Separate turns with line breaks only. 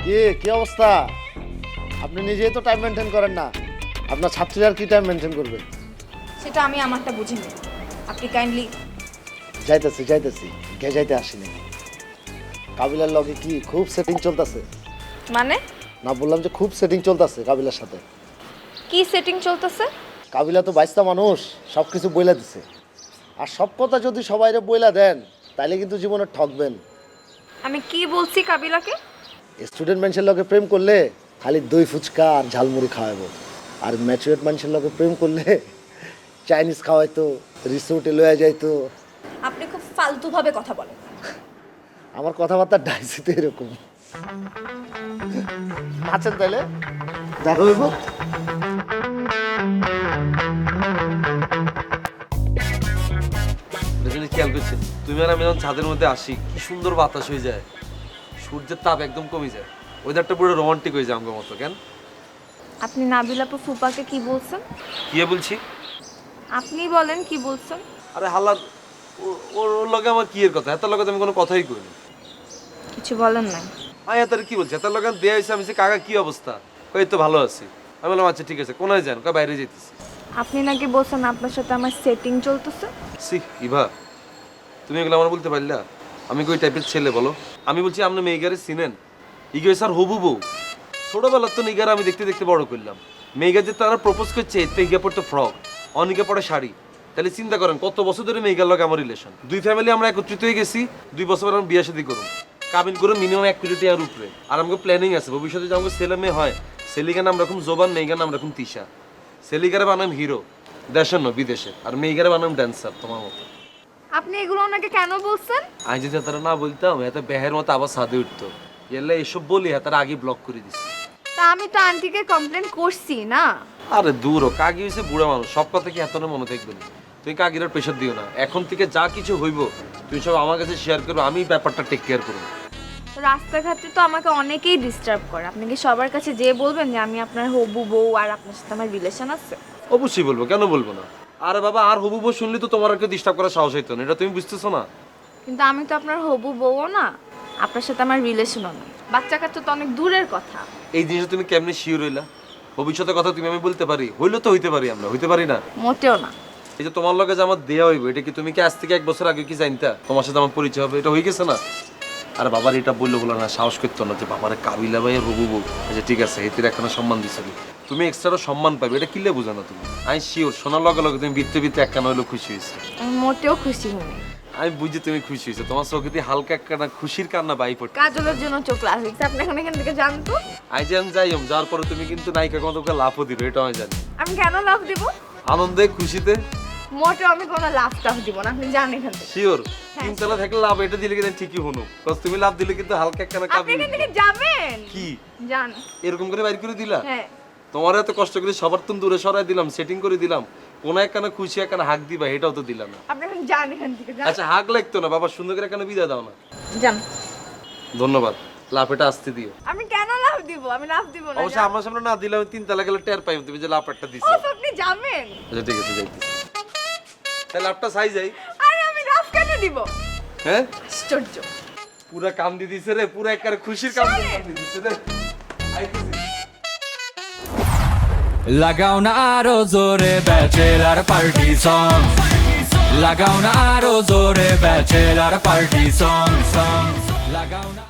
কি অবস্থা? আপনি নিজেই তো টাইম মেনটেন করেন না, আপনার ছাত্রীরা আর কি টাইম মেনটেন করবে?
সেটা আমি আমারটা বুঝে নেব। আপনি কাইন্ডলি
যাইতেছি গে যাইতে আসিনি। কাবিলার লগে কি খুব সেটিং চলতেছে?
মানে
না, বললাম যে খুব সেটিং চলতেছে কাবিলার সাথে।
কি সেটিং চলতেছে?
কাবিলা তো বাইস্তা মানুষ, সব কিছু বইলা দিছে। আর সব কথা যদি সবাইরে বইলা দেন তাইলে কিন্তু জীবনে ঠকবেন।
আমি কি বলছি কাবিলাকে?
স্টুডেন্ট মানুষের লগে প্রেম করলে খালি দই ফুচকা আর ঝালমুড়ি খাওয়াবো, আর ম্যাচুরেট মানুষের লগে প্রেম করলে চাইনিজ খাওয়াইতো, রিসোর্টে লয়ে যাইতো।
আপনি খুব ফালতুভাবে কথা বলেন।
আমার কথাবার্তা ডাইসিতে এরকম। আছেন তাইলে দেখো হইব।
খেয়াল করছেন তুমি আর আমি যখন ছাদের মধ্যে আসি কি সুন্দর বাতাস হয়ে যায়, সূর্যের তাপ একদম কমে যায়, ওয়েদারটা পুরো রোমান্টিক হয়ে যায় আমার মতো। কেন
আপনি নাবিল আপু ফুপাকে কি বলছেন?
কি বলছি?
আপনি বলেন কি বলছেন?
আরে হাল্লার, ওর লগে আমার কি এর কথা? এত লগে আমি কোনো কথাই কইনি।
কিছু বলেন নাই?
আয় এত কি বলছে? এত লগে দেয়া হয়েছে। আমি কাকা কি অবস্থা? কই তো ভালো আছি। আমি বললাম আচ্ছা ঠিক আছে, কোনায় যান? কই বাইরে যেতেছি।
আপনি নাকি বলছেন আপনার সাথে আমার সেটিং চলতেছে।
সি ইভা, তুমি এগুলো আমার বলতে পারলা? আমি কই টাইপের ছেলে বলো? আমি বলছি আপনি মেয়েগারে চিনেন? ইগো স্যার হবু বউ। ছোটবেলার তো নিগার আমি দেখতে দেখতে বড় করলাম। মেয়েগার যে তারা প্রপোজ করছে এতে ইগা পড়তো ফ্রক, অনেকে পড়ে শাড়ি। তাহলে চিন্তা করেন কত বছর ধরে মেয়েগার লগে আমার রিলেশন। দুই ফ্যামিলি আমরা একত্রিত হয়ে গেছি, 2 বছর পর আমরা বিয়ে শাদী করুন, কাবিন করে মিনিমাম 1 কোটি টাকার উপরে। আর আমাকে প্ল্যানিং আছে ভবিষ্যতে যে আমাকে ছেলে মেয়ে হয়, সেলিগার নাম রাখুন জোবান, মেয়েগার নাম রাখুন তিশা। সেলিগারে বানাম হিরো, দেশের নয় বিদেশে, আর মেয়েগারে বানাম ড্যান্সার তোমার মতো।
আপনি এগুলো ওনাকে কেন বলছেন?
আমি যদি তারা না বলতাম এত বেহের মতো আবার সাদে উঠতো। এলে এসব বলি তারা আগে ব্লক করে দিচ্ছে।
তা আমি তো আন্টিকে কমপ্লেন করছি না।
আরে দূর ও, কাকি হয়েছে বুড়া মানুষ, সব কথা কি এত না মনে থাকবে না? তুমি কাকির প্রেশার দিও না, এখন থেকে যা কিছু হইব তুমি সব আমার কাছে শেয়ার করো, আমি ব্যাপারটা টেক কেয়ার করবো।
রাস্তাঘাটে তো আমাকে অনেকেই ডিস্টার্ব করে। আপনি কি সবার কাছে যেয়ে বলবেন যে আমি আপনার হবু বউ আর আপনার সাথে আমার রিলেশন আছে?
অবশ্যই বলবো, কেন বলবো না? আরে বাবা, আর হবু বউ শুনলে তো তোমার আর কেউ ডিস্টার্ব করার সাহস হইতো না, এটা তুমি বুঝতেছো না?
কিন্তু আমি তো আপনার হবু বউও না, আপনার সাথে আমার রিলেশনও না। বাচ্চা কাচ্চা তো অনেক দূরের কথা।
এই জিনিসটা তুমি কেমনে শিওর হইলা? ভবিষ্যতের কথা তুমি আমি বলতে পারি? হইলে তো হইতে পারি, আমরা হইতে পারি না?
মোটেও না।
এই যে তোমার লগে যে আমার দেয়া হইব, এটা কি তুমি কি আজ থেকে 1 বছর আগে কি জানতা তোমার সাথে আমার পরিচয় হবে? এটা হয়ে গেছে না? আর বাবার এটা বললো বলো না, সাহস করতো না যে বাবার কাবিলা ভাই হবু বউ। আচ্ছা ঠিক আছে, এতে এখনো সম্মান দিচ্ছ, তুমি এক্সট্রা সম্মান পাবে, এটা কিলে বোঝা না তুমি? আমি শিওর শোনার লগে লগে তুমি বৃত্তে বৃত্তে একখানা হইলো খুশি হয়েছে।
আমি মোটেও খুশি হইনি।
আমি বুঝি তুমি খুশি হয়েছে, তোমার চোখে দিয়ে হালকা একখানা খুশির কান্না বাই পড়ছে।
কাজলের জন্য চোখ লাগছে। আপনি এখন এখান থেকে জানতো?
আই যান যাইম, যাওয়ার পরে তুমি কিন্তু নায়িকা কোনো তোকে লাভও দিবে, এটা আমি জানি।
আমি কেন লাভ দিব?
আনন্দে খুশিতে
মোটেও আমি কোনো লাভ টাভ দিব না, আপনি জানেন এখান থেকে।
শিওর চিন্তাটা থাকলে লাভ এটা দিলে কিন্তু ঠিকই হনো, কজ তুমি লাভ দিলে কিন্তু হালকা একখানা
আপনি
কাবি।
এখান থেকে যাবেন?
কি
জান
এরকম করে বাইর করে দিলা?
হ্যাঁ।
তোমার এত কষ্ট করে সবার তুমি দূরে সরাই দিলাম, সেটিং করে দিলাম, কোন একখানা খুশি একখানা হাক দিবা, এটাও তো দিলাম না।
আপনি এখন যান এখান থেকে, যান।
আচ্ছা হাক লাগতো না বাবা, সুন্দর করে একখানা বিদায় দাও না।
যান।
ধন্যবাদ, লাভ এটা আসতে দিও।
আমি কেন লাভ দিব? আমি লাভ দিব না।
অবশ্য আমার সামনে না দিলে আমি 3 তালা গেলে টের পাই তুমি যে লাভ একটা দিছো।
ওফ, আপনি যাবেন?
আচ্ছা ঠিক আছে, যাইতেছি। তাহলে লাভটা চাই যাই।
আরে আমি লাভ কেন দিব?
হ্যাঁ
আশ্চর্য।
পুরা কাম দিয়ে দিছে রে, পুরা একবারে খুশির কাম দিয়ে দিছে রে। আইতেছি।
লাগাও না আরো জোরে ব্যাচেলার পার্টি সং, লাগাও না আরো জোরে ব্যাচেলার পার্টি সং, লাগাও না।